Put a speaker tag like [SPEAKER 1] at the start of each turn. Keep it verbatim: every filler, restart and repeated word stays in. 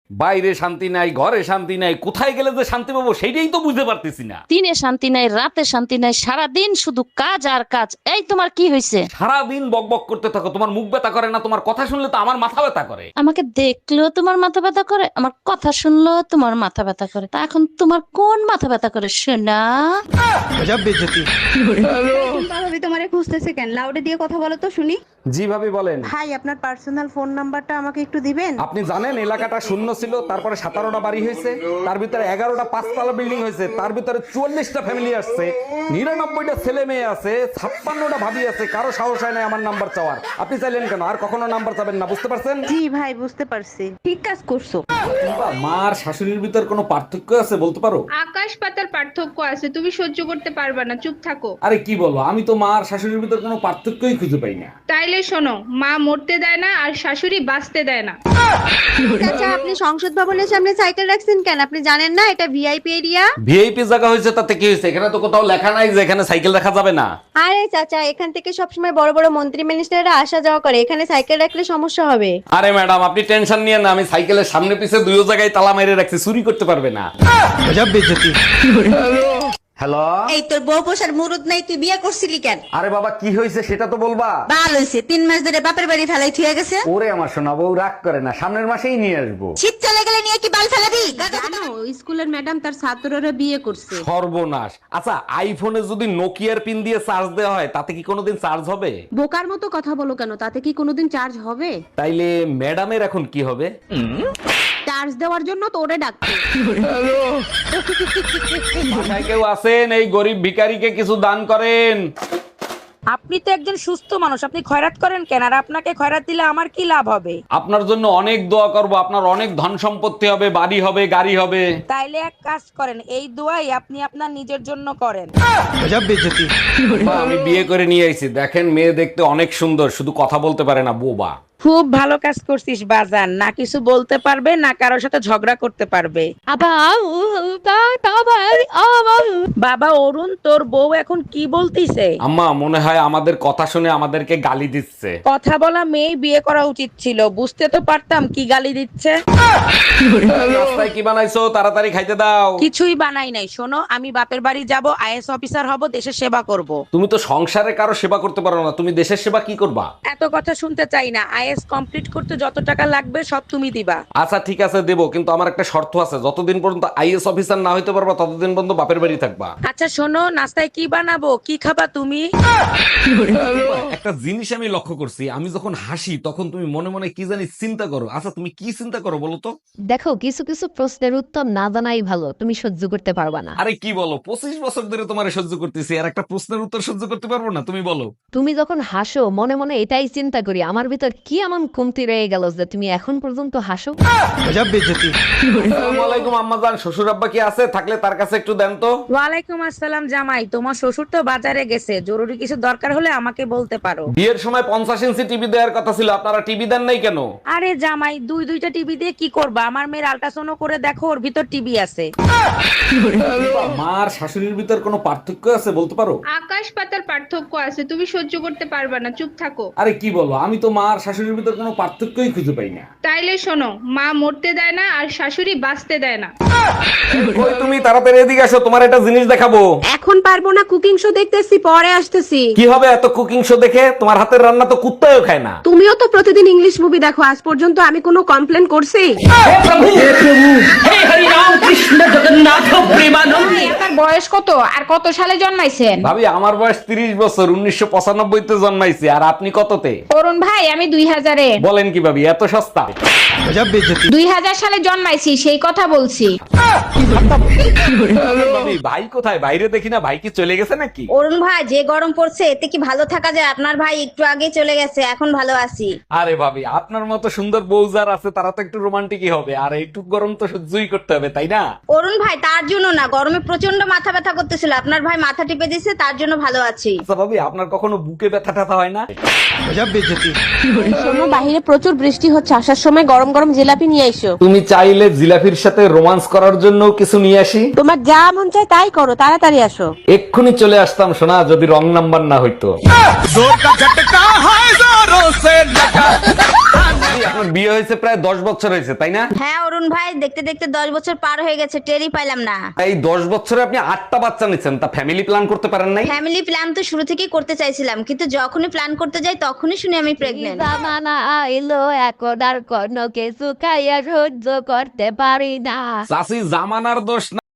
[SPEAKER 1] বাইরে শান্তি নাই, ঘরে শান্তি নাই, কোথায় গেলে যে শান্তি পাবো সেইটাই তো বুঝতে পারতেছি না।
[SPEAKER 2] দিনে শান্তি নাই, রাতে শান্তি নাই, সারাদিন শুধু কাজ আর কাজ। এই তোমার কি হয়েছে?
[SPEAKER 1] সারাদিন বকবক করতে থাকো, তোমার মুখ ব্যথা করে না? তোমার কথা শুনলে তো আমার মাথা ব্যথা করে।
[SPEAKER 2] আমাকে দেখলেও তোমার মাথা ব্যথা করে, আমার কথা শুনলেও তোমার মাথা ব্যথা করে। তা এখন তোমার কোন মাথা ব্যথা করে শোনা?
[SPEAKER 3] ভাবি তোমারে খুঁজতেছে কেন? লাউডে দিয়ে কথা বলো তো শুনি।
[SPEAKER 1] জি ভাবি বলেন।
[SPEAKER 3] ভাই আপনার পার্সোনাল ফোন নাম্বারটা আমাকে একটু দিবেন?
[SPEAKER 1] আপনি জানেন এলাকাটা শূন্য ছিল, তারপরে সতেরোটা বাড়ি হয়েছে, তার ভিতরে এগারোটা পাঁচতলা বিল্ডিং হয়েছে, তার ভিতরে চুয়াল্লিশটা ফ্যামিলি আসছে, নিরানব্বইটা ছেলে মেয়ে আছে, ছাপ্পান্নটা ভাবি আছে, কারো সাহস হয় না আমার নাম্বার চাওয়ার। আপনি চাইলেন কেন? আর কখনো নাম্বার চাবেন না, বুঝতে পারছেন?
[SPEAKER 3] জি ভাই বুঝতে পারছি, ঠিক কাজ করছো।
[SPEAKER 1] মার শাশুড়ির ভিতর কোনো পার্থক্য আছে বলতে পারো?
[SPEAKER 4] আকাশ পাতার পার্থক্য আছে, তুমি সহ্য করতে পারবে না, চুপ থাকো।
[SPEAKER 1] আরে কি বলো, আমি তো মার শাশুড়ির ভিতর কোনো পার্থক্যই খুঁজে পাই না।
[SPEAKER 4] তাইলে শোনো, মা মরতে দেয় না আর শাশুড়ি বাঁচতে দেয় না।
[SPEAKER 3] আচ্ছা আপনি সংসদ ভবনের সামনে সাইকেল রাখছেন কেন? আপনি জানেন না এটা ভিআইপি এরিয়া?
[SPEAKER 1] ভিআইপি জায়গা হয়েছে তাতে কি হয়েছে? এখানে তো কোথাও লেখা নাই যে এখানে সাইকেল রাখা যাবে না।
[SPEAKER 3] আরে চাচা, এখান থেকে সবসময় বড় বড় মন্ত্রী মিনিস্টাররা আসা যাওয়া করে, এখানে সাইকেল রাখলে সমস্যা হবে।
[SPEAKER 1] আরে ম্যাডাম আপনি টেনশন নিয়ে না, আমি সাইকেলের সামনে পিছে দুই জায়গায় তালা মেরে রাখছি, চুরি করতে পারবে না। হ্যালো।
[SPEAKER 5] এই তোর বউ পোষার মুরুদ নাই, তুই বিয়ে করছিলি কেন?
[SPEAKER 1] আরে বাবা কি হয়েছে সেটা তো বলবা।
[SPEAKER 5] বাল হইছে, তিন মাস ধরে বাপের বাড়ি ফেলাই থুয়ে গেছে।
[SPEAKER 1] ওরে আমার সোনা বউ রাগ করে না, সামনের মাসেই নিয়ে আসবো।
[SPEAKER 5] শীত চলে গেলে নিয়ে কি বাল ফেলাবি?
[SPEAKER 3] জানো স্কুলের ম্যাডাম তার ছাত্ররা বিয়ে করছে।
[SPEAKER 1] সর্বনাশ। আচ্ছা আইফোনে যদি নোকিয়ার পিন দিয়ে চার্জ দেওয়া হয় তাতে কি কোনোদিন চার্জ হবে?
[SPEAKER 3] বোকার মতো কথা বলো কেন? তাতে কি কোনোদিন চার্জ হবে?
[SPEAKER 1] তাইলে ম্যাডামের এখন কি হবে?
[SPEAKER 3] চার্জ দেওয়ার জন্য তো ওরে ডাকছে।
[SPEAKER 1] বাসায় কেউ আছেন? এই গরিব ভিখারিকে কিছু দান করেন।
[SPEAKER 6] আপনি তো একজন সুস্থ মানুষ, আপনি খয়রাত করেন কেন? আর আপনাকে খয়রাত দিলে আমার কি লাভ হবে?
[SPEAKER 1] আপনার জন্য অনেক দোয়া করব, আপনার অনেক ধন সম্পত্তি হবে, বাড়ি হবে, গাড়ি হবে।
[SPEAKER 6] তাইলে এক কাজ করেন, এই দোয়াই আপনি আপনার নিজের জন্য করেন।
[SPEAKER 1] মা, আমি বিয়ে করে নিয়ে আইছি, দেখেন মেয়ে দেখতে অনেক সুন্দর, শুধু কথা বলতে পারে না, বোবা।
[SPEAKER 6] খুব ভালো কাজ করছিস বাজান, না কিছু বলতে পারবে না কারোর সাথে ঝগড়া করতে পারবে। বাবা অরুণ, তোর বউ এখন কি বলতিছে?
[SPEAKER 1] আম্মা মনে হয় আমাদের কথা শুনে আমাদেরকে গালি দিচ্ছে।
[SPEAKER 6] কথা বলা মেয়ে বিয়ে করা উচিত ছিল, বুঝতে তো পারতাম কি গালি দিচ্ছে।
[SPEAKER 1] রাস্তায় কি বানাইছো? তাড়াতাড়ি খাইতে দাও।
[SPEAKER 6] কিছুই বানাই নাই, শোনো আমি বাপের বাড়ি যাব, আইএস অফিসার হব, দেশের সেবা করব।
[SPEAKER 1] তুমি তো সংসারে কারো সেবা করতে পারো না, তুমি দেশের সেবা কি করবা?
[SPEAKER 6] এত কথা শুনতে চাই না, আইএস কমপ্লিট করতে যত টাকা লাগবে সব তুমি দিবা।
[SPEAKER 1] আচ্ছা ঠিক আছে দেবো, কিন্তু আমার একটা শর্ত আছে, যতদিন পর্যন্ত আইএস অফিসার না হইতে পারবা ততদিন পর্যন্ত বাপের বাড়ি থাকবা।
[SPEAKER 6] আচ্ছা শোনো, নাস্তায় কি বানাবো, কি খাবা তুমি?
[SPEAKER 1] একটা জিনিস আমি লক্ষ্য করছি, আমি যখন হাসি তখন তুমি মনে মনে কি জানি চিন্তা করো। আচ্ছা তুমি কি চিন্তা করো বলো তো?
[SPEAKER 7] দেখো, কিছু কিছু প্রশ্নের উত্তর না জানাই ভালো, তুমি সহ্য করতে পারবা না।
[SPEAKER 1] আরে কি বলো, পঁচিশ বছর ধরে তোমার সহ্য করতেছি, আর একটা প্রশ্নের উত্তর সহ্য করতে পারবো না? তুমি বলো।
[SPEAKER 7] তুমি যখন হাসো মনে মনে এটাই চিন্তা করি, আমার ভিতর কি এমন কমতি রয়ে গেল যে তুমি এখন পর্যন্ত হাসো।
[SPEAKER 1] আসসালামু আলাইকুম আম্মাজান, শ্বশুর আব্বা কি আছে? থাকলে তার কাছে একটু দেন তো।
[SPEAKER 6] ওয়ালাইকুম আসসালাম জামাই, তোমার শ্বশুর তো বাজারে গেছে, জরুরি কিছু দরকার হলে আমাকে বলতে পারো।
[SPEAKER 1] বিয়ের সময় পঞ্চাশ ইঞ্চি টিভি দেওয়ার কথা ছিল, আপনারা টিভি দেন নাই কেন?
[SPEAKER 6] আরে জামাই, দুই দুইটা টিভি দিয়ে কি করবা? আমার মেয়ের আল্ট্রাসাউন্ড করে দেখো, ওর ভিতর টিভি আছে।
[SPEAKER 1] মার শাশুড়ির ভিতর কোনো পার্থক্য আছে বলতে পারো?
[SPEAKER 4] আকাশ পাতার পার্থক্য আছে, তুমি সহ্য করতে পারবে না, চুপ থাকো।
[SPEAKER 1] আরে কি বলো, আমি তো মার শাশুড়ির ভিতর কোনো পার্থক্যই খুঁজে পাই না।
[SPEAKER 4] তাইলে শোনো, মা মরতে দেয় না আর শাশুড়ি বাঁচতে দেয় না।
[SPEAKER 1] ওই তুমি তাড়াতাড়ি এদিকে আসো, তোমার একটা জিনিস দেখাবো।
[SPEAKER 3] এখন পারবো না, কুকিং শো দেখতেছি, পরে আসতেছি।
[SPEAKER 1] কি হবে এত কুকিং শো দেখে? তোমার হাতের রান্না তো কুত্তাও খায় না।
[SPEAKER 3] তুমিও তো প্রতিদিন ইংলিশ মুভি দেখো, আজ পর্যন্ত আমি কোনো কমপ্লেন করছি?
[SPEAKER 8] আপনার বয়স কত আর কত সালে জন্মাইছেন?
[SPEAKER 1] ভাবি আমার বয়স তিরিশ বছর, উনিশশো পঁচানব্বই তে জন্মাইছি। আর আপনি কততে?
[SPEAKER 8] অরুণ ভাই, আমি দুই হাজারে।
[SPEAKER 1] বলেন কি ভাবি, এত সস্তা?
[SPEAKER 8] দুই হাজার সালে জন্মাইছি, সেই কথা বলছি।
[SPEAKER 1] ভাবি ভাই কোথায়? বাইরে দেখি না, ভাই কি চলে গেছে নাকি?
[SPEAKER 5] অরুণ ভাই, যে গরম পড়ছে এতে কি ভালো থাকা যায়? আপনার ভাই একটু আগে চলে গেছে, এখন ভালো আছি।
[SPEAKER 1] আরে ভাবি আপনার মতো সুন্দর বউ যার আছে তারা তো একটু রোমান্টিকই হবে, আর একটু গরম তো সহ্যই করতে হবে, তাই না?
[SPEAKER 5] অরুণ ভাই, তার জন্য না, গরমে প্রচন্ড মাথা ব্যথা করতেছিল, আপনার ভাই মাথা টিপে দিছে, তার জন্য ভালো আছি।
[SPEAKER 1] আচ্ছা ভাবি আপনার কখনো বুকে ব্যথা টাথা হয় না?
[SPEAKER 3] শোনো, বাহিরে প্রচুর বৃষ্টি হচ্ছে, আসার সময় গরম গরম জিলাপি নিয়ে আইসো।
[SPEAKER 1] তুমি চাইলে জিলাফির সাথে রোমান্স করার জন্য কিছু নিয়ে আসি?
[SPEAKER 3] তোমার যা মন চায় তাই করো, তাড়াতাড়ি আসো।
[SPEAKER 1] এক্ষুনি চলে আসতাম সোনা, যদি রং নাম্বার না হইতো। ভাবি আপনার বিয়ে হয়েছে প্রায় দশ বছর হয়েছে তাই না?
[SPEAKER 5] হ্যাঁ অরুণ ভাই, দেখতে দেখতে দশ বছর পার হয়ে গেছে, টেরই পাইলাম না।
[SPEAKER 1] এই দশ বছরে আপনি আটটা বাচ্চা নিচ্ছেন, তা ফ্যামিলি প্ল্যান করতে পারেন নাই?
[SPEAKER 5] ফ্যামিলি প্ল্যান তো শুরু থেকেই করতে চাইছিলাম, কিন্তু যখনই প্ল্যান করতে যাই তখনই শুনি আমি প্রেগনেন্ট।
[SPEAKER 7] জামানা আইলো এখন আর কোনো কিছু খাইয়া সহ্য করতে পারি না।
[SPEAKER 1] চাষি জামানার দোষ